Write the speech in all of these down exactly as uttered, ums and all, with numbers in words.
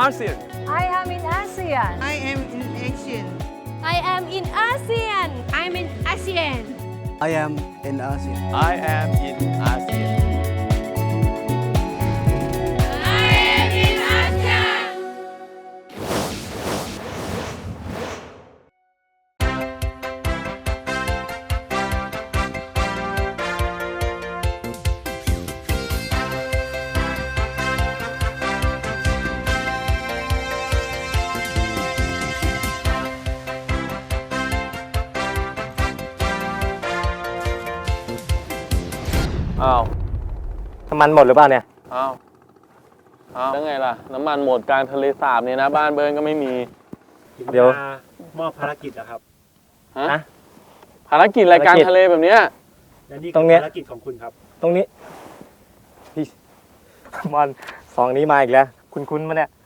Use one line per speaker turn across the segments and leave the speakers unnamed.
ASEAN
I am in ASEAN
I am in Asian
I am in ASEAN
I'm in ASEAN
I am in ASEAN
I am in ASEAN
I am in ASEAN
อ้าว
น้ำมันหมดหรือเปล่าเนี่ย
อ้าวอ้าวแล้วไงล่ะ น้ำมันหมดกลางทะเลสาบเนี่ยนะ บ้านเบิร์นก็ไม่มี
เดี๋ยว
มอบภารกิจแล้วครับ
ฮะ
ฮะ
ภารกิจรายการทะเลแบบเนี้ย
และนี่
ตร
คื
ง
อ
เนี้ย
ภารกิจของคุณครับ
ตรงนี้พี่บอลสองนี้มาอีกแล้ว คุณคุ้นๆมาเนี่ย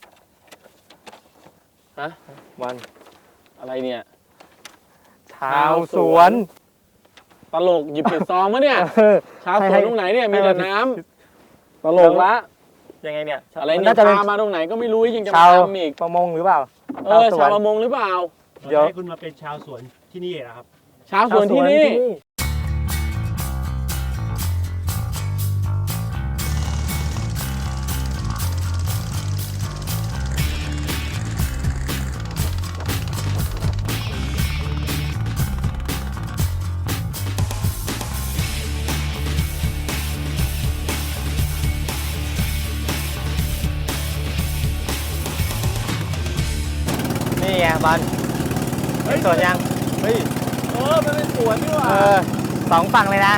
ฮะ
บอล
อะไรเนี่ย
ชาวสวน
ตลกหยิบปิดซองมะเนี่ย
เออ
ชาวส
ให้
วน
ให้
ตรงไหนเนี่ย มีแต่น้ำตลกละ
ยังไงเนี่ย
อะไร
มั
เนี่ย
น่าจะเป็น
พามาตรงไหนก็ไม่รู้ยังจะ
ชาม
าว ทำอีก
ประมงหรือเปล่า
เออ
สว
ชาน วประมงหรือเปล่า
เดี๋ยว
ให้คุณมาเป็นชาวสวนที่นี่นะครับ
ชาวสวนที่นี่
นี่ไงบอลเห็นสวนยัง
เฮ้ย เออ มันเป็นสวนนี่หว่า
เออสองฝั่งเลยนะ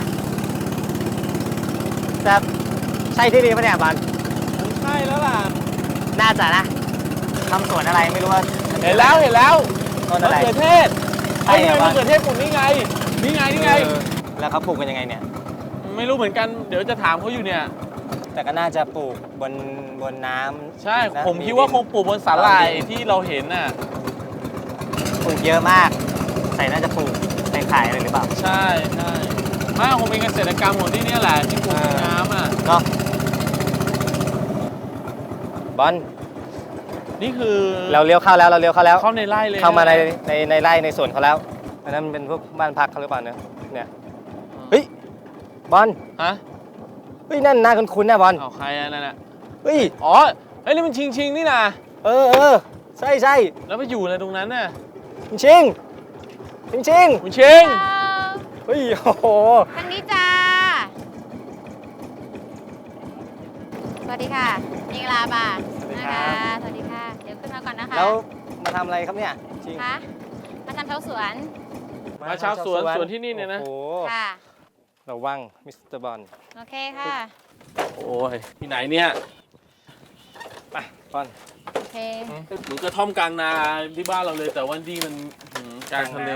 จะใช่ที่นี่ปะเนี่ยบอล
มันใช่แล้วล่ะ
น่าจะนะทำสวนอะไรไม่รู้ว่า
เห็นแล้วเห็นแล้ว
ต้น
มะ
อะไร
เขือเทศ
ใช่
ไอ้นี่
เหรอ
มะเขือเทศปลูกนี่ไง นี่ไง นี่ไง
เออแล้วเขาปลูกกันยังไงเนี่ย
ไม่รู้เหมือนกัน เดี๋ยวจะถามเขาอยู่เนี่ย
แต่ก็น่าจะปลูกบนบนน้ำ
ใช่
นะ
ผมคิดว่าคงปลูกบนสาหร่ายที่เราเห็นน่ะ
ปลูกเยอะมาก ใส่น่าจะปลูกไปขายเลยหรือเปล่า
ใช่ใช่ไม่คงเป็นเกษตรกรรมของที่เนี่ยแหละที่ปลูกในน้ำอ่ะ
เนาะบอล
นี่คือ
เราเลี้ยวเข้าแล้วเราเลี้ยวเข้าแล้ว
เข้าในไร่เลย
เข้ามาในในในไร่ในสวนเขาแล้วอันนั้นมันเป็นพวกบ้านพักเขาหรือเปล่าเนี่ยเนี่ยเฮ้ยบอล
ฮะ
เฮ้ยนั่นหน้าคุ้นๆนะบอล
เอาใครอันนั้นน่ะ
เฮ้ย
อ๋อเฮ้ยนี่มันชิงชิงนี่นะ
เออเออใช่ใช่
แล้วไปอยู่อะไรตรงนั้นน่ะ
ชิงชิงชิง
คุณชิง
เฮ้ยโอ้โห
ทางนี้จ้า สวัสดีค่ะมิงลาบ่านะคะ สวัสดีค่ะ เดี๋ยวขึ้นมาก่อนนะคะ
แล้วมาทำอะไรครับเนี่ยชิง
คะมาทำเท้าสวน
มาชาวสวนสวนที่นี่เนี่ยนะ
โอ้โห
ค่ะ
ระวังมิสเตอร์บอล
โอเคค่ะ
โอ้ยที่ไหนเนี่ย
ไปบอล
โอเค
เหมือนกระท่อมกลางนาที่บ้านเราเลย แต่ว่าที่มันหือกลางทะเล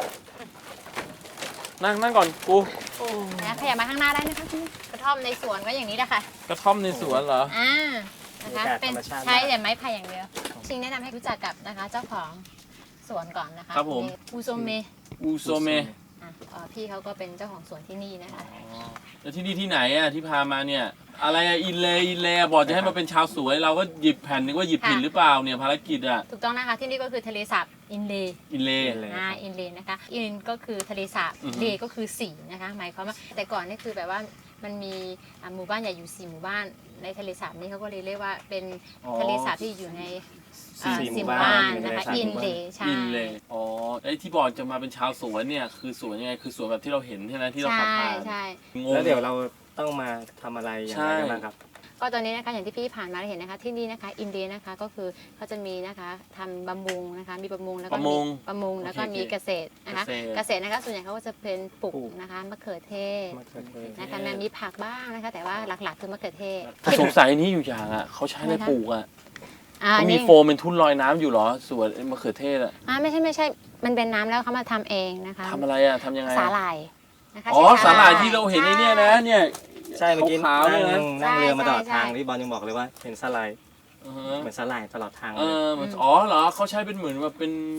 นั่งนั่งก่อนกู
นะขยับมาข้างหน้าได้นะคะพี่กระท่อมในสวนก็อย่างนี้แหละค่ะ
กระท่อมในสวนเหรอ
อ่า นะคะ เป็นใช้แต่ไม้ไผ่อย่างเดียว ชิงแนะนำให้รู้จักกับนะคะเจ้าของสวนก่อนนะคะ
ครับผม
อูโซเมะ
อูโซเม
อ่ะเอ่อพี่เขาก็เป็นเจ้าของสวนที่นี่นะคะ
แล้วที่นี่ที่ไหนอ่ะที่พามาเนี่ย อะไรอะอินเลอินเลบอกจะให้มาเป็นชาวสวนเราก็หยิบแผ่นนึกว่าหยิบผิดหรือเปล่าเนี่ยภารกิจอ่ะ
ถูกต้องนะคะที่นี่ก็คือทะเลสาบอินเลย์
อินเล
อ่าอินเลย์นะคะอินก็คือทะเลสาบ
อือฮึ
เลก็คือสีนะคะหมายความว่าแต่ก่อนนี่คือแบบว่ามันมีอ่าหมู่บ้านใหญ่อยู่สี่หมู่บ้านในทะเลสาบนี้เขาก็เลยเรียกว่าเป็นทะเลสาบที่อยู่ในอ่า
สี่
สี่
ห
ห
มู่
มู่
บ้า
บ้าน
น
นะคะ
ในทะเลสาบ
อินเลย์ใช่
อินเลอ๋อไอ้ที่บอกจะมาเป็นชาวสวนเนี่ยคือสวนยังไงคือสวนแบบที่เราเห็นใช่ไหมที่เราขับ
ใช่
ผ่าน
ใช่
งง
แล้วเดี๋ยวเราต้องมาทำอะไรอย่างไรกันบ้างครับ
ก็ตอนนี้นะคะอย่างที่พี่ผ่านมาได้เห็นนะคะที่นี่นะคะอินเดียนะคะก็คือเขาจะมีนะคะทำบำรุงนะคะมีประมงแล้วก็
ประมง
ประมงแล้วก็
โอเค
มีเกษตรนะคะ
เกษตร
เกษตรนะคะส่วนใหญ่เขาก็จะเป็นปลู
ปลู
ก
ก
นะคะมะเขือเทศ
มะเขือเทศ
นะคะมันมีผักบ้างนะคะแต่ว่าหลักๆคือมะเขือเทศ
สงสัยนี่อยู่อย่างอ่ะเขาใช้อะไรปลูกอ่ะ
อ่า
เขามี
นี่
โฟมเป็นทุ่นลอยน้ำอยู่เหรอสวนไอ้มะเขือเทศอ่ะ
อ่าไม่ใช่ไม่ใช่มันเป็นน้ำแล้วเขามาทำเองนะคะ
ทำอะไรอ่ะทำยังไง
สา
อะ
หร่ายนะคะ
อ๋อ
ใช้
สาหร่ายที่เราเห็นในเนี่ยนะเนี่ย
ใช่เมื่อกี้
ขาวๆ
นั่
เนี่ยนะ
งนั่งเรือมาตลอด
ใช่
ทาง
ใช่
ที่บอลยังบอกเลยว่าเห็นสไลด์
อือฮะ
เหมือนสไลด์ตลอดทาง
เอ
เลย
อมันอ๋อเหรอเขาใช้เป็นเหมือนแบบเป็น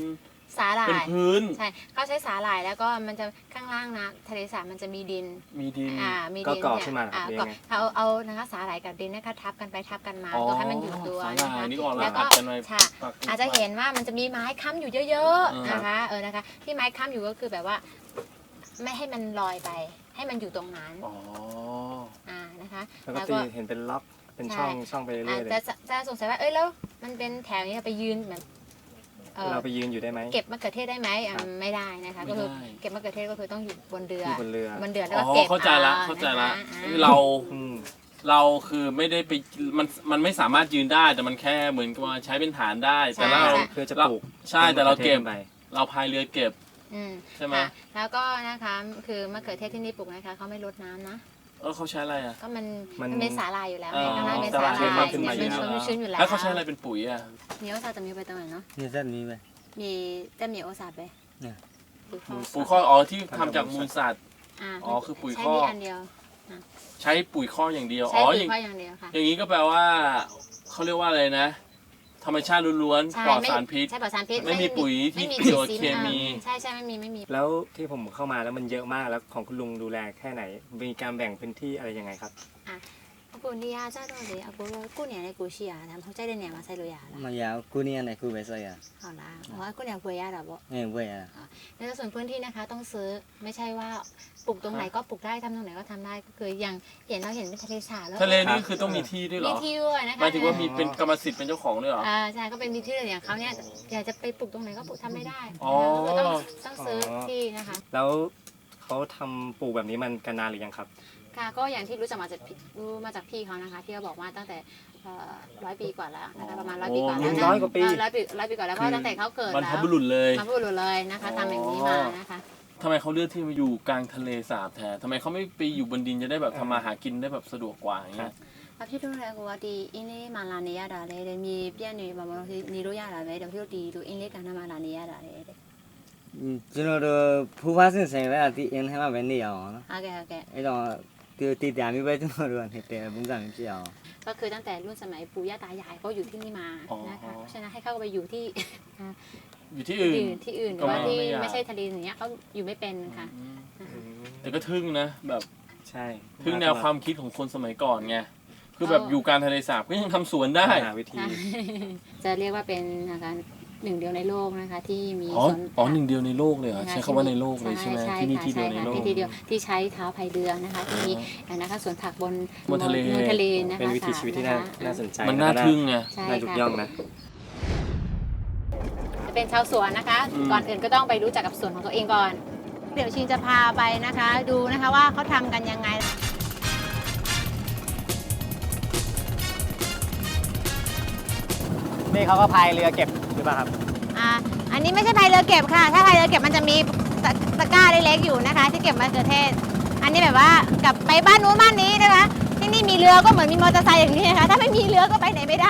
สาหร่า
เป็น
ย
พื้น
ใช่เขาใช้สาหร่ายแล้วก็มันจะข้างล่างนะทะเลสาบมันจะมีดิน
มีดิน
อ่ามี
ก็
ดิน
ก่อ
เนี่ย
ขึ้นมาเหรอค
อ่า
รับหรือ
ก็
ยังไง
เขาเอานะคะสาหร่ายกับดินนะคะทับกันไปทับกันมา
อ๋อ
ก็ให้มันอยู่ตัว
สาห
นะ
ร่าย
คะ
นี่ก็เอา
แล้ว
อั
ก็
ดกันไว้
ค่ะ
ปัก
อาจจะเห็นว่ามันจะมีไม้ค้ำอยู่เยอะ
อ่า
ๆนะคะเออนะคะที่ไม้ค้ำอยู่ก็คือแบบว่า ไม่ให้มันลอยไป ให้มันอยู่ตรงนั้น
อ๋อ
อ่านะคะ
แล้วก็ตีเห็นเป็นล็อกเป็นช่องช่องไปเรื่
อ่า
อยๆเล
จะ
ย
จะจะสงสัยว่าเอ้ยแล้วมันเป็นแถวนี้ไปยืนแบบเออ
เราไปยืนอยู่ได้ไหม
เก็บมะเขือเทศได้ไหมอ่ะ
ครับ
ไม่ได้นะคะ
ไม่
ก็คือ
ได้
เก็บมะเขือเทศก็คือต้องอยู่บนเรือ
อยู่บนเรือ
บนเรือแล้ว
อ๋
ก็
อ
เก็บ
เข้าใจละ
อ
เข้าใจละ
นะคะอ่า
เรา
อืม
เราคือไม่ได้ไปมันมันไม่สามารถยืนได้แต่มันแค่เหมือนกับว่าใช้เป็นฐานได้ แต่เรา
เพื่อจะปลูก
ใช่แต่เราเก็บ
ไป
เราพายเรือเก็บ
อืม
ใช่ไหม
ค่ะแล้วก็นะคะคือมะเขือเทศที่นี่ปลูกนะคะเขาไม่รดน้ำนะ
เออเขาใช้อะไรอ่ะ
ก็มัน
มัน
มันเป็นสาหร่ายอยู่แล้ว
อ๋อ
ไงข้างล่างเป็นสาหร่าย
สาหร่ายขึ้น
เนี่
มาย
มัน
เยอะ
ชื้นชื้นอยู่แล้ว
แล้วเขาใช้อะไรเป็นปุ๋ยอ่ะ
มีโอซาจะมีไปตรงไหนเนาะ
นี่เส้นนี้ไป
มีแต่มีโอซาไป
เนี่ย
ปุ๋ยคอก
ปุ๋ยข้อกอ๋อที่ทำจากมูลสัตว์
อ่า
อ๋อคือปุ๋ย
ใช้
คอก
มีอันเดียว
ใช้ปุ๋ยข้อกอย่างเดียว
ใช้
อ๋อ
ปุ๋
อย ย่าง
คอกอย่างเดียวค่ะ
อย่างนี้ก็แปลว่าเขาเรียกว่าอะไรนะ ธรรมชาติล้วน
ใช่
ๆปลอด
ไม่
สารพิษ
ใช่ปลอดสารพิษ
ไม่มีปุ๋ยที่
ไม่มี
เกี่ยวกับ
สี
เคมี
อ่าใช่ใช่ไม่มีไม่มี
แล้วที่ผมเข้ามาแล้วมันเยอะมากแล้วของคุณลุงดูแลแค่ไหน มีการแบ่งพื้นที่อะไรยังไงครับ
အခုနေရာကြတော့လေအခုတော့ကိုယ့်နေရာနဲ့ကိုရှိရတာမဟုတ်ကြိုက်တဲ့နေရာမှာစိုက်လို့ရတာ
မရဘူးကိုနီးရနဲ့ကိုပဲစိုက်ရ
ဟုတ်လားဟောကိုယ့်နေရာဝယ်ရတာပေါ့
အင်းဝယ်ရတာ
ในส่วนพื้นที่นะคะต้องซื้อไม่ใช่ว่าปลูกตรงไหนก็ปลูกได้ทำตรงไหนก็ทำได้ก็คืออย่างเห็นเราเห็นเป็นทะเลสาบแล้ว
ทะเลนี่คือต้องมีที่ด้วยเหร
มี
อ
ที่ด้วยนะคะ
หมายถึงว่ามีเป็นกรรมสิทธิ์เป็นเจ้าของด้วยเหรอ
อ่าใช่ก็เป็นมีที่เลยอย่างเขาเนี่ยอยากจะไปปลูกตรงไหนก็ปลูกทำไม่ได้
อ๋อ
ก็คือต้องต้องซื้อที่นะคะ
แล้วเขาทำปลูกแบบนี้มันกันนานหรือยังครับ
ค่ะก็อย่างที่รู้จักมาจากพี่รู้มาจากพี่เขานะคะที่เขาบอกว่าตั้งแต่ร้อยปีกว่าแล้วนะคะประมาณร้อยปีกว่าแล้ว
โอ้
นะ
ร้อยกว่าปี
เร้อยปีร้อยปีกว่าแล้วเพราะตั้งแต่เขาเกิด
บรร
แล้
พ
ว
บุรุษเลย
มาพูดเลยนะคะทำอย่างนี้มานะคะ
ทำไมเขาเลือกที่มาอยู่กลางทะเลสาบแทนทำไมเขาไม่ไปอยู่บนดินจะได้แบบทำมาหากินได้แบบสะดวกกว่าอย่างเงี้ย
အဖြစ်လို့လည်းကိုကဒီအင်းလေးမှလာနေရတာလေတဲ့မြေပြန့်နေပါမလို့နေလို့ရတာပဲတဖြစ်လို့ဒီလိုအင်းလေးကဏ္ဍမှာလာနေရတာလေတဲ့
อืมကျွန်တော်တို့ဖူးဖားစင်ဆိုင်ပဲအတီအင်းထဲမှာပဲနေရအောင်နော်
ဟုတ်ကဲ့ဟုတ်ကဲ့
အဲ့တော့ဒီတီတာမျိုးပဲကျွန်တော်တို့ကနေတယ်ပုံစံမျိုးဖြစ်အောင်
ก็คือตั้งแต่รุ่นสมัยปู่ย่าตายายก็อยู่ที่นี่มานะคะเพราะฉะนั้นให้เข้าไปอยู่ที่
อยู่ที่อื่น
อื่นที่อื่นหรือว่า
ก็ไม่
ที่
ไม่อยาก
ไม่ใช่ทะเลอย่างเงี้ยเขาอยู่ไม่เป็นค่ะ
แต่ก็ทึ่งนะแบบ
ใช่
ทึ่งแนวความคิดของคนสมัยก่อนไงคือแบบอยู่กลางทะเลสาบก็ยังทำสวนได้
หาวิธี
จะเรียกว่าเป็นนะคะหนึ่งเดียวในโลกนะคะที่มี
อ๋อ
สวน
อ๋อหนึ่งเดียวในโลกเลยเหรอ
นะคะ
ใช้คำว่าในโลกเลยใช่ไหมที่นี่ที่เดียวในโลก
ช่ค่ะที่เดียวที่ใช้เท้าพายเรือนะคะที่มีนะคะสวนผักบน
บนทะเล
บนทะเลนะคะ
เป็นวิถีชีวิตที่น่า
สะ
น่าสนใจ
มันน่าทึ่งไง
ใช่
น่ายุก
ค่ะ
ย่องนะ
จะเป็นชาวสวนนะคะ
อืม
ก่อนอื่นก็ต้องไปรู้จักกับสวนของตัวเองก่อน เดี๋ยวชิงจะพาไปนะคะ ดูนะคะว่าเขาทำกันยังไง
นี่เขาก็พายเรือเก็บหรือเปล่าครับ
อ่าอันนี้ไม่ใช่พายเรือเก็บค่ะ ถ้าพายเรือเก็บมันจะมีตะตะกร้าเล็กๆอยู่นะคะ ที่เก็บมะเขือเทศ อันนี้แบบว่ากลับไปบ้านนู้นบ้านนี้นะคะ ที่นี่มีเรือก็เหมือนมีมอเตอร์ไซค์อย่างนี้นะคะ ถ้าไม่มีเรือก็ไปไหนไม่ได้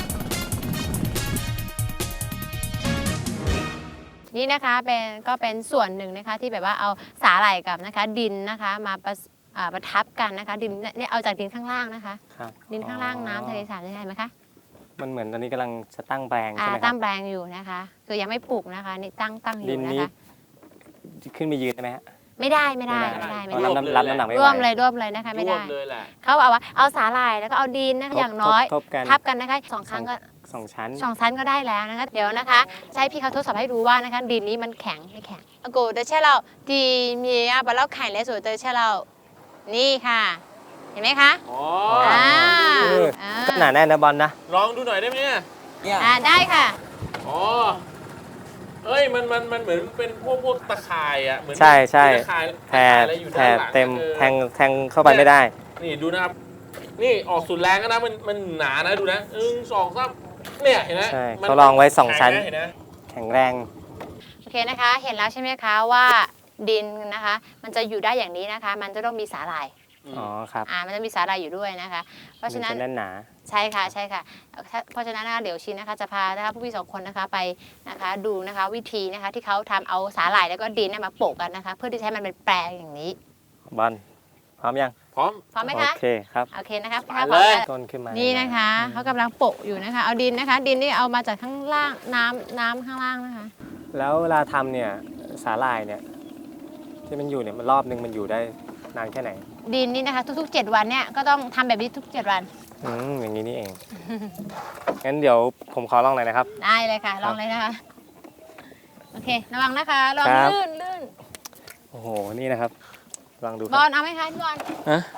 นี่นะคะเป็นก็เป็นส่วนหนึ่งนะคะที่แบบว่าเอาสาหร่ายกับนะคะดินนะคะมาประสอ่าประทับกันนะคะ ดินเนี่ยเอาจากดินข้างล่างนะคะ
ครับ
ดินข้างล่างน้ำทะเลสาบได้ไหมคะ
มันเหมือนตอนนี้กำลังจะตั้งแปลง
อ่า
ใช่ไหมค
ตั้
รับ
งแปลงอยู่นะคะ คือยังไม่ปลูกนะคะนี่ตั้งตั้งอ
ดิ
ยู่
น
นะ
นี้
คะ
ขึ้นไปยืนได้ไหมฮะ
ไม่ได้ไม่ได้ไม่ได้
เพ
ไม่
ราะ
ได้
รับน้ำรับน้ำหนักไม่ไหว
ร่วมเลยร่วมเลยนะคะไม่
รว
ได้
บเลยแหละ
เขาเอาว่าเอาสาหร่ายแล้วก็เอาดินนะคะ
ทบ
อย่างน้อย
ทบกัน
ทับกันนะคะสองครั้งก็
สองชั้น
สองชั้นก็ได้แล้วนะคะ เดี๋ยวนะคะจะให้พี่เขาทดสอบให้ดูว่านะคะดินนี้มันแข็งไม่แข็งอากเดชเราดีมีอะบะเล่าไข่และสวยเดชเรานี่ค่ะ เห็นไหมคะ
อ๋อ
อ่า
เออ
อ่า
ก็หนาแน่นนะบอลนะ
ลองดูหน่อยได้ไหมเนี่ย
อ่าได้ค่ะ
อ๋อเอ้ยมันมันมันเหมือนเป็นพวกพวกตะข่ายอ่ะเหมือน
ใช่ใช่
ตะข่าย
แผ่
ตะข่ายอะไรอยู่
แผ่
ด้านหลัง
เต็ม
ออ
แทงแทงเข้าไปไม่ได้
นี่ดูนะครับ นี่ออกสุดแรงก็นะมันมันหนานะดูนะหนึ่งสองสามเนี่ยเห็นไหม
ใช่
มัน
เขาลองไว้สองชั้น
แข็ะเห็นไหม
แข็งแรง
โอเคนะคะ เห็นแล้วใช่ไหมคะว่าดินนะคะ มันจะอยู่ได้อย่างนี้นะคะ มันจะต้องมีสาหร่าย
อ๋อครับ
อ่ามันจะมีสาหร่ายอยู่ด้วยนะคะ เพราะฉะนั้น
มัจแน่นหนา
ใช่ค่ะใช่ค่ะถ้าเพราะฉะนั้นนะคะเดี๋ยวชินนะคะจะพานะคะผู้พี่สองคนนะคะไปนะคะดูนะคะวิธีนะคะที่เขาทำเอาสาหร่ายแล้วก็ดินเนี่ยมาโปะกันนะคะ เพื่อที่จะให้มันเป็นแปลงอย่างนี้
บอลพร้อมยัง
พร้อม
พร้อมไหม
โอ
คะ
เคครับ
โอเคนะคะ
ไป
ถ้าพร้อม
เลย
แล้ว
ต้นขึ้นมา
นี่
นี่
นะคะเขากำลังโปะอยู่นะคะ เอาดินนะคะ ดินนี่เอามาจากข้างล่างน้ำน้ำข้างล่างนะคะ
แล้วเวลาทำเนี่ยสาหร่ายเนี่ยที่มันอยู่เนี่ยมันรอบนึงมันอยู่ได้นานแค่ไหน
ดินนี่นะคะทุกๆเจ็ดวันเนี่ยก็ต้องทำแบบนี้ทุกเจ็ดวัน
อืมอย่างนี้นี่เอง งั้นเดี๋ยวผมขอลองหน่อยนะครับ
ได้เลยค่ะ ลองเลยนะคะ โอเค ระวังนะคะระวัง
ครับ
ลื่นลื่น
โอ้โหนี่นะครับลองดูค
บ
รั
อบ ลเอาไหมคะพี่บอล
ฮะ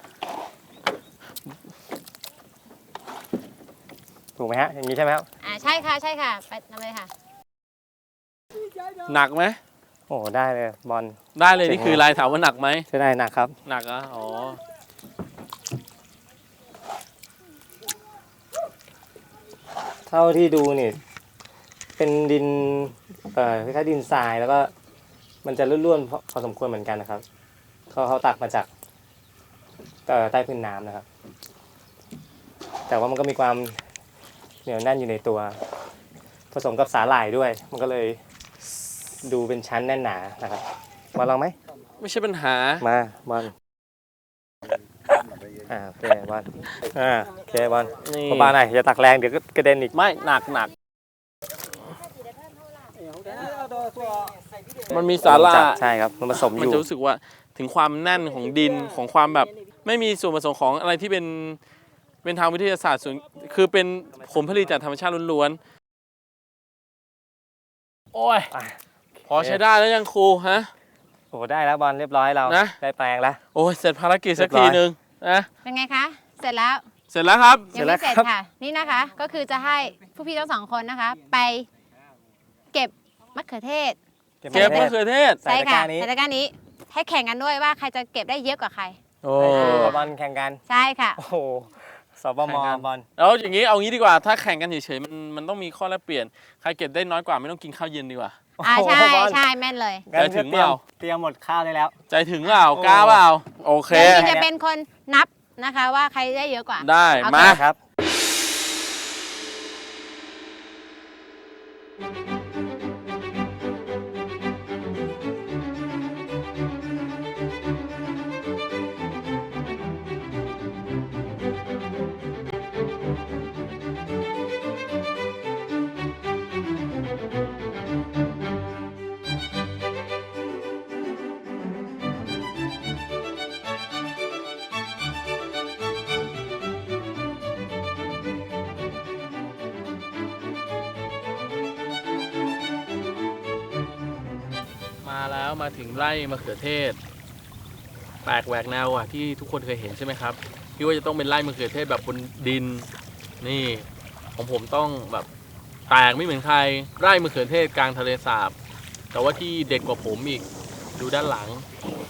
ถูกไหมฮะอย่างนี้ใช่ไหมครับ
อ่าใช่ค่ะใช่ค่ะไปทำเลยค่ะ
หนักไหม
โอ้โหได้เลยบอล
ได้เลย
จริง
นี่คือลายถามว่าหนักไหม
ใช่ได้หนักครับ
หนักอ่ะอ๋อ
เท่าที่ดูนี่เป็นดินเอ่อคล้ายๆดินทรายแล้วก็มันจะร่วนๆพอพอสมควรเหมือนกันนะครับเขาเขาตักมาจากเอ่อใต้พื้นน้ำนะครับ แต่ว่ามันก็มีความเหนียวแน่นอยู่ในตัว ผสมกับสาหร่ายด้วย มันก็เลยดูเป็นชั้นแน่นหนานะครับมาลองไหม
ไม่ใช่ปัญหา
มาบอลอ่าโอเคบอลอ่าโอเคบอล
นี่
เบาๆหน่อยอย่าตักแรงเดี๋ยวก็กระเด็นอีก
ไม่หนักหนักมันมีสาหร่าย
ใช่ครับมันผสมอ
มัน
ยู่
จะรู้สึกว่าถึงความแน่นของดินของความแบบ ไม่มีส่วนผสมของอะไรที่เป็นเป็นทางวิทยาศาสตร์ส่วนคือเป็นผลผลิตจากธรรมชาติล้วนๆโอ้ย
อ่ะ
พอใช้ได้แล้วยังครูฮะ
โอ้ได้แล้วบอลเรียบร้อยเรา
นะ
ได้แปลงแล้ว
โอ้ยเสร็จภารกิจสัก
เรี
ที
ยบร้อย
หนึ่งนะ
เป็นไงคะ เสร็จแล้ว
เสร็จแล้วครับ
ยังไม่เสร็จค่ะ นี่นะคะ ก็คือจะให้ผู้พี่ทั้งสองคนนะคะ ไปเก็บมะเขือเทศ
เก็บมะเขือเทศ
ใส่
ใช่
ตะก
ค่ะ
ร้านี้
ในตะกร้านี้ให้แข่งกันด้วยว่าใครจะเก็บได้เยอะกว่าใคร
โอ้
โอ้บอลแข่งกัน
ใช่ค่ะ
โอ้โหสบมบอล
แล้วอย่างนี้เอางี้ดีกว่าถ้าแข่งกันเฉยๆมันมันต้องมีข้อแลกเปลี่ยนใครเก็บได้น้อยกว่าไม่ต้องกินข้าวเย็นดีกว่า
อ่าใช่
โอ้โหบอล
ใช่แม่นเลย
งั้น
ใจถึง
เตรียม
เปล่า
เตรียมหมดข้าวได้แล้ว
ใจถึงเปล่ากล้าเปล่าโอเค
เดี๋ยวพี่จะเป็นคนนับนะคะว่าใครได้เยอะกว่า
ได้
โอเค
มา
ครับ
มาแล้วมาถึงไร่มะเขือเทศแปลกแหวกแนวอ่ะที่ทุกคนเคยเห็นใช่ไหมครับพี่ว่าจะต้องเป็นไร่มะเขือเทศแบบบนดินนี่ของผมต้องแบบแปลกไม่เหมือนใครไร่มะเขือเทศกลางทะเลสาบแต่ว่าที่เด็ดกว่าผมอีกดูด้านหลัง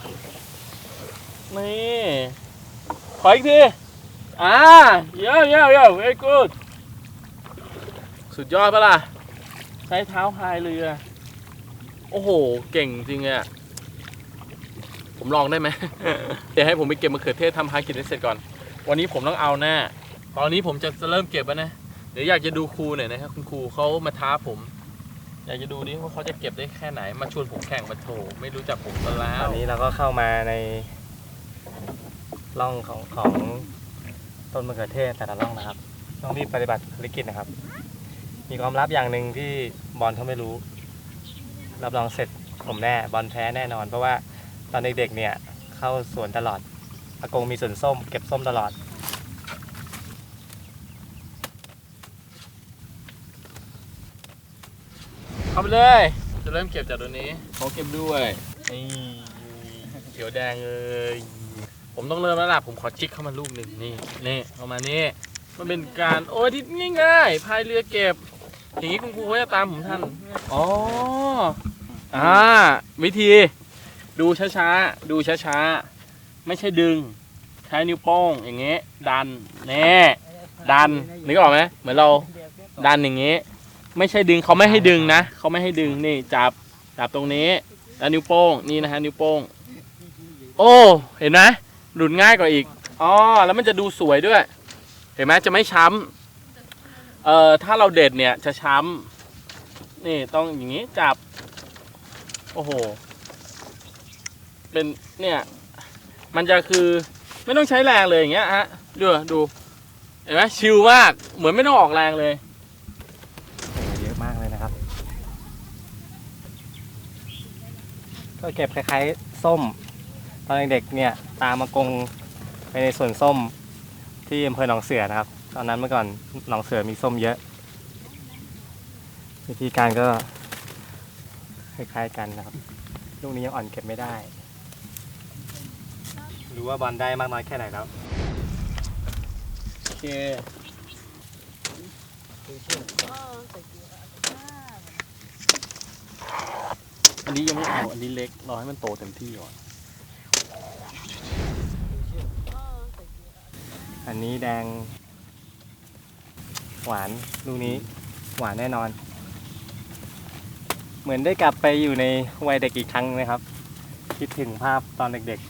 นี่ขออีกทีอ่าเย้เย้เย้ very good สุดยอดปะล่ะใช้เท้าพายเรือโอ้โหเก่งจริงอะผมลองได้ไหม เดี๋ยวให้ผมไปเก็บมะเขือเทศทำภารกิจให้เสร็จก่อนวันนี้ผมต้องเอาแน่ตอนนี้ผมจะเริ่มเก็บแล้วนะเดี๋ยวอยากจะดูครูหน่อยนะครับคุณครูเขามาท้าผม อยากจะดูดิว่าเขาจะเก็บได้แค่ไหนมาชวนผมแข่งมาโถไม่รู้จักผมซะแล้
ต
ว
อนนี้เราก็เข้ามาในร่องของของต้นมะเขือเทศแต่ละร่องนะครับ ต้องรีบปฏิบัติภารกิจนะครับ มีความลับอย่างหนึ่งที่บอลเขาไม่รู้ รับรองเสร็จผมแน่บอลแพ้แน่นอน เพราะว่าตอนเด็กๆเนี่ยเข้าสวนตลอดอากงมีสวนส้มเก็บส้มตลอด
เข้าไปเลยจะเริ่มเก็บจากตัวนี้เขาเก็บด้วยนี่เขียวแดงเลยผมต้องเริ่มแล้วล่ะผมขอจิกเข้ามาลูกหนึ่งนี่นี่เข้ามานี่มันเป็นการโอ้ยที่ง่ายๆพายเรือเก็บอย่างนี้คุณครูเขาจะตามผมทันอ๋ออ่าวิธีดูช้าๆดูช้าๆไม่ใช่ดึงใช้นิ้วโป้งอย่างเงี้ยดันแน่ดันนึกออกไหมเหมือนเราดันอย่างเงี้ยไม่ใช่ดึงเขาไม่ให้ดึงนะเขาไม่ให้ดึงนี่จับจับตรงนี้แล้วนิ้วโป้งนี่นะฮะนิ้วโป้งโอ้เห็นไหมหลุดง่ายกว่าอีกอ๋อแล้วมันจะดูสวยด้วยเห็นไหมจะไม่ช้ำเอ่อถ้าเราเด็ดเนี่ยจะช้ำนี่ต้องอย่างนี้จับโอ้โหเป็นเนี่ยมันจะคือไม่ต้องใช้แรงเลยอย่างเงี้ยฮะดูดูเห็นไหมชิลมากเหมือนไม่ต้องออกแรงเลย
เยอะมากเลยนะครับก็เก็บคล้ายๆส้ม ตอนเด็กๆเนี่ยตามมากงไปในสวนส้มที่อำเภอหนองเสือนะครับ ตอนนั้นเมื่อก่อนหนองเสือมีส้มเยอะ วิธีการก็คล้ายๆกันนะครับ ลูกนี้ยังอ่อนเก็บไม่ได้รู้ว่าบอลได้มากน้อยแค่ไหนแล้ว
โอเคอันนี้ยังไม่เอาอันนี้เล็กรอให้มันโตเต็มที่ก่อน
อันนี้แดงหวานลูกนี้หวานแน่นอน เหมือนได้กลับไปอยู่ในวัยเด็กอีกครั้งนะครับ คิดถึงภาพตอนเด็ก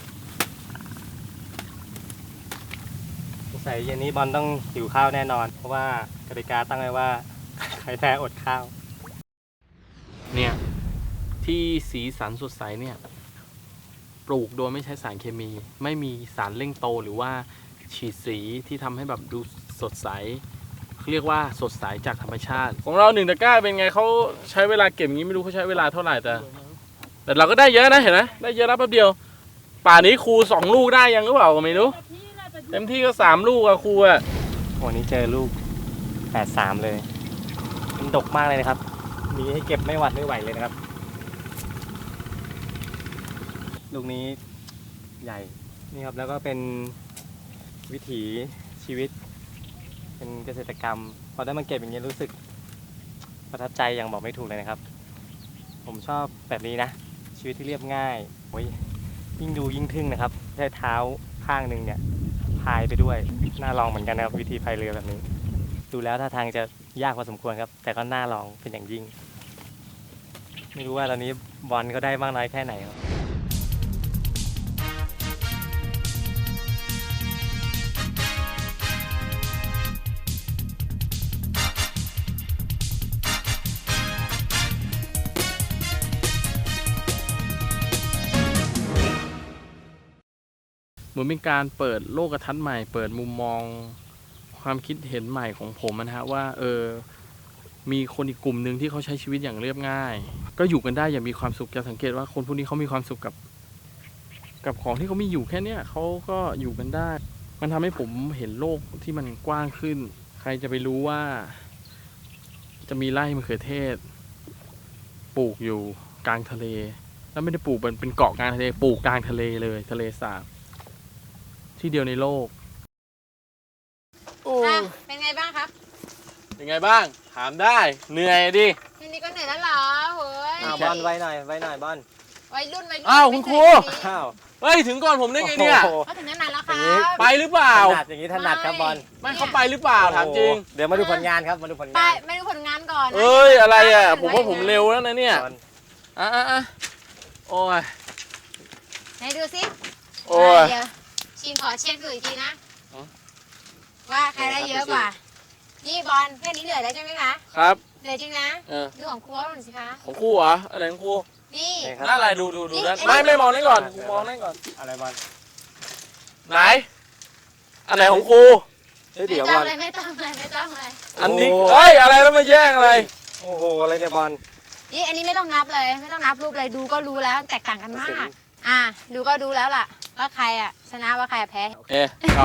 ๆสงสัยเย็นนี้บอลต้องหิวข้าวแน่นอน เพราะว่ากติกาตั้งไว้ว่า ใครแพ้อดข้าว
เนี่ยที่สีสันสดใสเนี่ยปลูกโดยไม่ใช้สารเคมี ไม่มีสารเร่งโตหรือว่าฉีดสีที่ทำให้แบบดูสดใสเรียกว่าสดใสจากธรรมชาติ ของเราหนึ่งตะกร้าเป็นไงเขาใช้เวลาเก็บงี้ไม่รู้เขาใช้เวลาเท่าไหร่แต่ แต่เราก็ได้เยอะนะเห็นไหมได้เยอะนะแป๊บเดียว ป่านี้ครูสองลูกได้ยังหรือเปล่าก็ไม่รู้เต็มที่ก็สามลูกอะครูอะ
วันนี้เจอลูกแปดสามเลย มันดกมากเลยนะครับ มีให้เก็บไม่หวัดไม่ไหวเลยนะครับ ลูกนี้ใหญ่ นี่ครับ แล้วก็เป็นวิถีชีวิต เป็นเกษตรกรรม พอได้มาเก็บอย่างนี้รู้สึกประทับใจอย่างบอกไม่ถูกเลยนะครับ ผมชอบแบบนี้นะ ชีวิตที่เรียบง่ายโอ้ยยิ่งดูยิ่งทึ่งนะครับใช้เท้าข้างหนึ่งเนี่ยพายไปด้วย น่าลองเหมือนกันนะครับวิธีพายเรือแบบนี้ ดูแล้วท่าทางจะยากพอสมควรครับ แต่ก็น่าลองเป็นอย่างยิ่ง ไม่รู้ว่าตอนนี้บอลเขาได้มากน้อยแค่ไหนครับ
เหมือนเป็นการเปิดโลกทัศน์ใหม่ เปิดมุมมองความคิดเห็นใหม่ของผมนะฮะว่าเออมีคนอีกกลุ่มหนึ่งที่เขาใช้ชีวิตอย่างเรียบง่าย ก็อยู่กันได้อย่างมีความสุขจะสังเกตว่าคนพวกนี้เขามีความสุขกับ กับของที่เขามีอยู่แค่เนี้ยเขาก็อยู่กันได้ มันทำให้ผมเห็นโลกที่มันกว้างขึ้น ใครจะไปรู้ว่า จะมีไร่มะเขือเทศปลูกอยู่กลางทะเล แล้วไม่ได้ปลูกเป็นเป็นเกาะกลางทะเลปลูกกลางทะเลเลยทะเลสาบที่เดียวในโลกโอ้
อ่ะเป็นไงบ้างครับ
เป็นไงบ้างถามได้เหนื่อยดิ
ทีนี้ก็เหนื่อยแล้วเหรอโหย
อ้าวบอลไว้หน่อยไว้หน่อยบอล
วัยรุ่นวัยรุ่น
อ้าวคุณครู
อ้าว
เฮ้ยถึงก่อนผมได้ไงเนี่ย
โอ้โห
เขาถึงนั้นนานแล้วค
อ
รั
ย่างนี้
บ
ไปหรือเปล่า
ถนัดอย่างนี้ถนัดครับบอล
ไม่เขาไปหรือเปล่าถามจริง
โอ้โหเดี๋ยวมาดูผลงานครับมาดูผล
ไป
งาน
ไม่ดูผลงานก่อนนะ
เอ้ยอะไรอ่ะผมว่าผมเร็วแล้วนะเนี่ย
บอล
อ่ะอ่ะอ่ะโอ้ย
ไหนดูสิ
โอ้ย
เดี๋ยวชิมขอเช็คดูอีกทีนะ
อ๋อ
ว่าใครได้เยอะกว่า นี่บอลแค่นี้เหลือแล้วใช่ไหมคะ
ครับ
เหลือจริงนะ
เออ
ดูของครูหน่อยสิคะ
ของครูเหรออะไรของครู
นี่
นี่ครับ
น่าอะไรดูดูดู
นี่
ด้าน
ไอ้
ไม่ไม่มองนั่นก่อนมองนั่นก่อน
อะไรบอล
ไหนอันไหนของครู
เฮ้ย
ไม่
เดี๋ยว
ต้
บ
อง
อล
เลยไม่ต้องเลยไม่ต้องเลย
อันนี้
โอ้
เอ้ยอะไรแล้วมาแย่งอะไร
โอ้โหอะไรเนี่ยบอล
นี่อันนี้ไม่ต้องนับเลย ไม่ต้องนับรูปเลยดูก็รู้แล้วแตกต่างกันมาก อ่ะดูก็ดูแล้วล่ะ ว่าใครอ่ะชนะว่าใครอะแพ้
โอเคครับ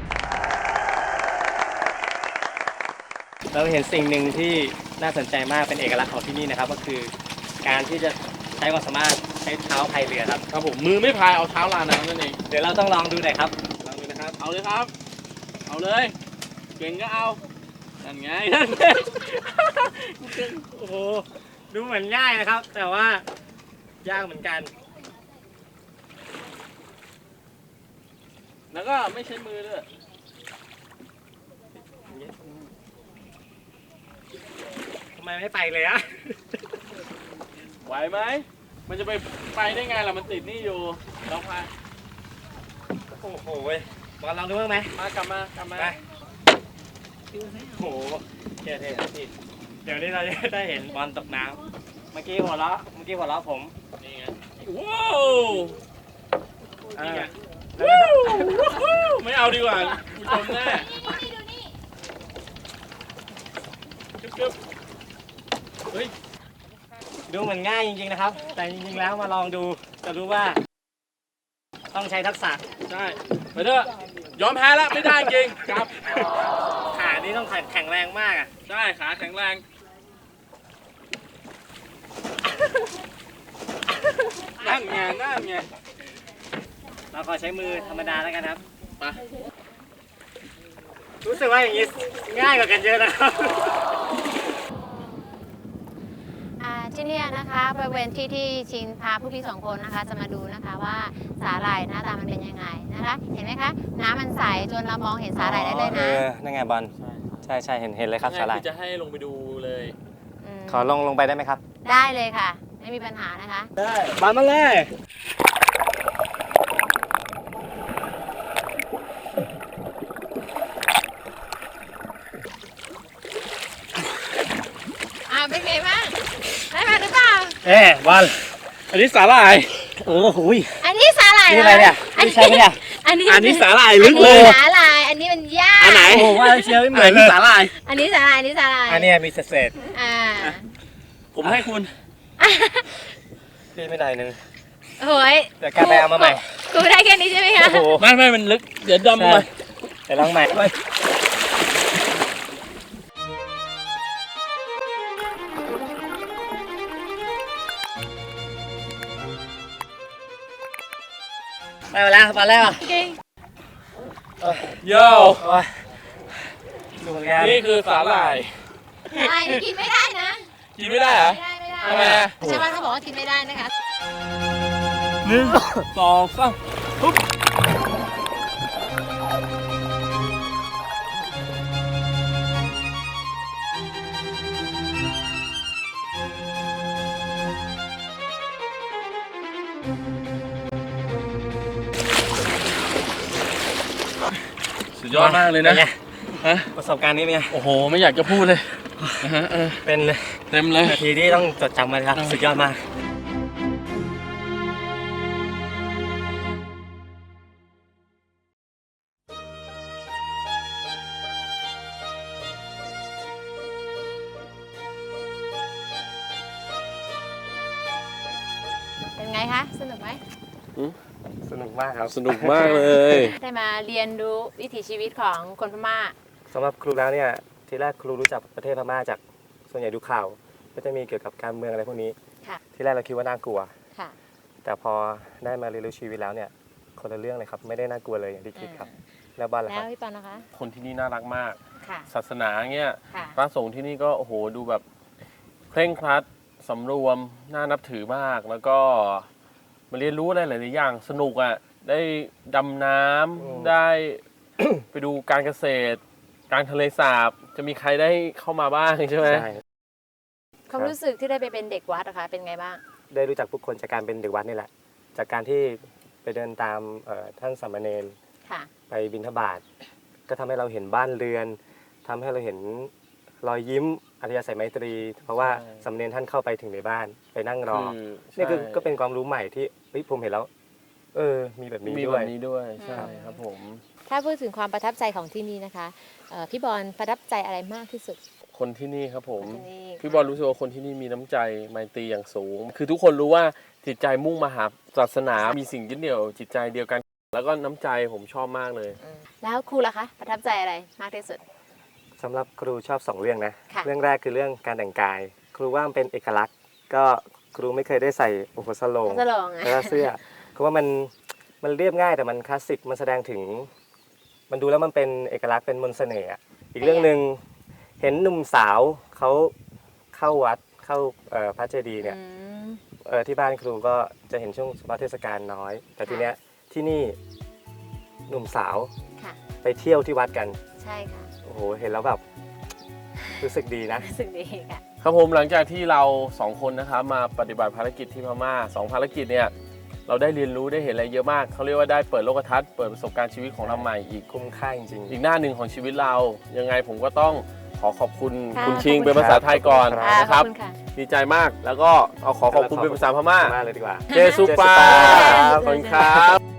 เราเห็นสิ่งหนึ่งที่น่าสนใจมากเป็นเอกลักษณ์ของที่นี่นะครับ ก็คือการที่จะใช้ความสามารถใช้เท้าพายเรือครับ
ครับผมมือไม่พายเอาเท้าลาน้ำนั่นเอง
เดี๋ยวเราต้องลองดูหน่อยครับลองดูนะครับ
เอาเลยครับ เอาเลยเก่งก็เอานั่นไงนั่นไง
โอ้โหดูเหมือนง่ายนะครับ แต่ว่ายากเหมือนกัน
แล้วก็ไม่ใช้มือด้วย
ทำไมไม่ไปเลยอะ
ไหวไหมมันจะไปไปได้ไงล่ะมันติดนี่อยู่เราพาย
โอ้โหเว้ยบอลลองดูบ้างไหม
มากลับมากลับมา
ไปโอ้โหเท่ๆครับพี่เดี๋ยวนี้เราจะได้เห็นบอลตกน้ำเมื่อกี้หัวเราะเมื่อกี้หัวเราะผม
นี่ไงว้าว
นี่ไง
ว้าวไม่เอาดีกว่าคุณชมแน่จุ๊บจุ๊บเฮ้ย
ดูเหมือนง่ายจริงๆนะครับ แต่จริงๆแล้วมาลองดูจะรู้ว่า ต้องใช้ทักษะ
ใช่ไปเถอะยอมแพ้แล้วไม่ได้จริงครับ
ขานี่ต้องแข็งแรงมากอ่ะ
ใช่ขาแข็งแรงนั่นไงนั่นไง
เราขอใช้มือธรรมดาแล้วกันครับ
ไป
รู้สึกว่าอย่างนี้ง่ายกว่ากันเยอะนะครับ
อ่าที่เนี่ยนะคะบริเวณที่ที่ชินพาผู้พี่สองคนนะคะ จะมาดูนะคะว่าสาหร่ายหน้าตามันเป็นยังไงนะคะ เห็นไหมคะน้ำมันใสจนเรามองเห็นสาหร่ายได้เลย
เอ
นะ
อ นั่นไงบอล ใช่ใช่เห็นเห็นเลยครับสาหร่าย
คือจะให้ลงไปดูเลย
ม
ขอลงลงไปได้ไหมครับ
ได้เลยค่ะ ไม่มีปัญหานะคะ
ได้บอลมาเลย
อ่าเป็นไงบ้างได้มาหรือเปล่า
เอ๊บอล
อันนี้สาหร่าย
เออหุย
อันนี้สาหร่าย
นี่อะไรเนี่ย
อัน
นี่ใช่ไหมเนี่ย
อันนี้
อันนี้สาหร่าย
อั
ลึ
น
ก
นี้
เลย
สาหร่ายอันนี้มันหญ้า
อันไหน
โอ้โหว่าเชียร์ไม่เหมือน
อันนี้สาหร่าย
อันนี้สาหร่ายอันนี้สาหร่าย
อันเนี้ยมีเศษ
อ่า
ผมให้คุณ
ๆพี่ไม่ได้หนึ่ง
โอ้ย
เดี๋ยวกลับไปเอามาใหม่
ครูได้แค่นี้ใช่ไหมคะ
โอ้โห
ไม่ไม่มันลึก เดี๋ยวดำ
ใช่
ไป
เดี๋ยวลองใหม่ไปมาแล้วมาแล้ว
เก่ง
โย่
โอ้ยดูเหมือนกัน
นี่คือสาหร่าย
อะไรกินไม่ได้นะ
กินไม่ได้เหรอ
ไม่ได้ไม่ได้
ทำไมอะ
ชาวบ้านเขาบอกว่ากินไม่ได้นะคะ
หนึ่งสองสามปุ๊บสุดยอดมากเลยนะ
ป็ไง
ฮะ
ประสบการณ์นี้เป็นไง
โอ้โห ไม่อยากจะพูดเลยนะฮะเออ
เป็น
เต็มเลย
นาทีที่ต้องจดจำมันครับ สุดยอดมาก
เป็นไงคะ สนุกไหม
สนุกมากครับ
สนุกมากเลย
ได้มาเรียนรู้วิถีชีวิตของคนพม่า
สำหรับครูแล้วเนี่ย ทีแรกครูรู้จักประเทศพม่าจากส่วนใหญ่ดูข่าว ก็จะมีเกี่ยวกับการเมืองอะไรพวกนี้
ค่ะ
ที่แรกเราคิดว่าน่ากลัว
ค่ะ
แต่พอได้มาเรียนรู้ชีวิตแล้วเนี่ย คนละเรื่องเลยครับ ไม่ได้น่ากลัวเลยอย่างที่คิดครับ แล้วบ้านล่ะ
แล้
คว รับ
พี่ปอนนะคะ
คนที่นี่น่ารักมาก
ค่ะ
ศาสนาเงี้ย
ค่ะ
พระสงฆ์ที่นี่ก็โอ้โหดูแบบเคร่งครัดสำรวมน่านับถือมาก แล้วก็มาเรียนรู้อะไรหลายๆอย่างสนุกอ่ะได้ดำน้
อืม
ำได้ ไปดูการเกษตร การทะเลสาบจะมีใครได้เข้ามาบ้างใช่ไหม
ใช่
ความรู้สึกที่ได้ไปเป็นเด็กวัดนะคะ เป็นไงบ้าง
ได้รู้จักผู้คนจากการเป็นเด็กวัดนี่แหละ จากการที่ไปเดินตามเอ่อท่านสามเณร
ค่ะ
ไปบิณฑบาตก็ทำให้เราเห็นบ้านเรือนทำให้เราเห็นรอยยิ้มอัธยาศัยไมตรี เพราะว่าสามเณรท่านเข้าไปถึงในบ้านไปนั่งรอ
คือ
นี่คือ
ใช่
ก็เป็นความรู้ใหม่ที่เฮ้ยผมเห็นแล้ว เออ มีแบบนี้
มี
ด้
แบ
วย
บนี้ด้วยใช่
อืม
ครับผม
ถ้าพูดถึงความประทับใจของที่นี่นะคะเอ่อพี่บอลประทับใจอะไรมากที่สุด
คนที่นี่ครับผม
ที่นี่
พี่บอลรู้สึกว่าคนที่นี่มีน้ำใจไมตรีอย่างสูง คือทุกคนรู้ว่าจิตใจมุ่งมาหาศาสนา มีสิ่งยึดเหนี่ยวจิตใจเดียวกัน แล้วก็น้ำใจผมชอบมากเลย
อืมแล้วครูล่ะคะ ประทับใจอะไรมากที่สุด
สำหรับครูชอบสองเรื่องนะ
ค่ะ
เรื่องแรกคือเรื่องการแต่งกาย ครูว่ามันเป็นเอกลักษณ์ ก็ครูไม่เคยได้ใส่โอ้โหสโลง
สลองอะ
แล้วก็เสื้อคือว่ามันมันเรียบง่ายแต่มันคลาสสิกมันแสดงถึง มันดูแล้วมันเป็นเอกลักษณ์เป็นมนต์เสน่ห์อะอีกเรื่องหนึ่งเห็นหนุ่มสาวเขาเข้าวัดเข้าเอ่อพระเจดีย์เนี่ย
อืม
เออที่บ้านครูก็จะเห็นช่วงเฉพาะเทศกาลน้อย แต่ทีเนี้ยที่นี่หนุ่มสาว
ค่ะ
ไปเที่ยวที่วัดกัน
ใช่ค่ะ
โอ้โหเห็นแล้วแบบรู้สึกดีนะ
รู้สึกดีค่ะ
ครับผมหลังจากที่เราสองคนนะครับมาปฏิบัติภารกิจที่พม่าสองภารกิจเนี่ยเราได้เรียนรู้ได้เห็นอะไรเยอะมากเขาเรียกว่าได้เปิดโลกทัศน์เปิดประสบการณ์ชีวิตของเราใหม่อีก
คุ้มค่าจริง
อีกหน้าหนึ่งของชีวิตเรา ยังไงผมก็ต้องขอขอบคุณ
ค่ะ
คุณชิง
ขอบคุณ
เป็นภาษาไทยก่อน
อ่า
นะ
ข
ค
อบ
รับ
คุณค่ะ
ดีใจมากแล้วก็เอาขอขอบคุณเป็นภาษาพม่า
มากเลยดีกว่า
เจสุปา
เจสุปา
ขอบคุณครับ